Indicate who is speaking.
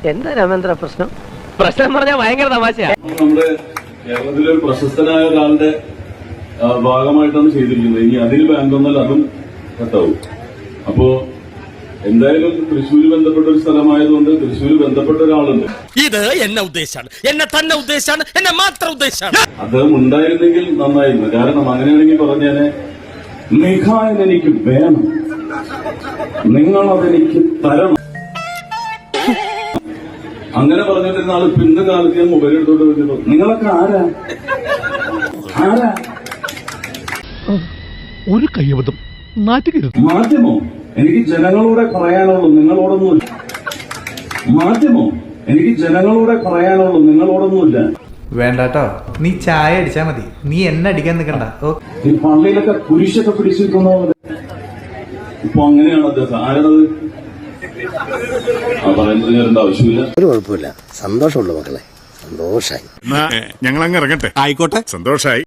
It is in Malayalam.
Speaker 1: എന്താ രാമേന്ദ്ര പ്രശ്നം? പ്രശ്നം പറഞ്ഞാൽ ഭയങ്കര തമാശയാ.
Speaker 2: നമ്മുടെ കേരളത്തിലെ ഒരു പ്രശസ്തനായ ഒരാളുടെ ഭാഗമായിട്ടാണ് ചെയ്തിരിക്കുന്നത്. ഇനി അതിൽ ബാൻ വന്നാൽ അതും കട്ടാവും. അപ്പോ എന്തായാലും തൃശ്ശൂര് ബന്ധപ്പെട്ട ഒരു സ്ഥലമായതുകൊണ്ട് തൃശ്ശൂര് ബന്ധപ്പെട്ട ഒരാളുണ്ട്.
Speaker 3: ഇത് എന്നെ ഉദ്ദേശാണ്, എന്നെ തന്നെ ഉദ്ദേശാണ്, എന്നെ മാത്രം ഉദ്ദേശാണ്.
Speaker 2: അദ്ദേഹം ഉണ്ടായിരുന്നെങ്കിൽ നന്നായിരുന്നു. കാരണം അങ്ങനെയാണെങ്കിൽ പറഞ്ഞേനെ, നിഖായൻ എനിക്ക് വേണം, നിങ്ങളതെനിക്ക് തരണം. അങ്ങനെ പറഞ്ഞിട്ടിരുന്ന ആള് ഇന്ന് കാലത്ത് ഞാൻ മൊബൈൽ എടുത്തോണ്ട് വരുന്നു. നിങ്ങളൊക്കെ ആരാ?
Speaker 4: ഒരു കയ്യബദ്ധം നാറ്റുകരുത്.
Speaker 2: മാധ്യമോ? എനിക്ക് ജനങ്ങളോടെ പറയാനുള്ളൂ, നിങ്ങളോടൊന്നുമില്ല. മാധ്യമോ? എനിക്ക് ജനങ്ങളോടെ പറയാനുള്ളൂ, നിങ്ങളോടൊന്നുമില്ല.
Speaker 5: വേണ്ടാട്ടോ, നീ ചായ അടിച്ചാ മതി, നീ എന്നെ അടിക്കാൻ നിൽക്കണ്ട.
Speaker 2: ഈ പള്ളിയിലൊക്കെ കുരിശൊക്കെ പിടിച്ചിരിക്കുന്ന പോലെ ഇപ്പൊ അങ്ങനെയാണ് അദ്ദേഹം. ആരാണത്? പറയുന്നത് കേൾക്കേണ്ട ആവശ്യമില്ല.
Speaker 6: ഒരു കുഴപ്പമില്ല, സന്തോഷമുള്ളൂ മക്കളെ, സന്തോഷായി.
Speaker 4: ഞങ്ങൾ അങ്ങ് ഇറങ്ങട്ടെ. ആയിക്കോട്ടെ, സന്തോഷായി.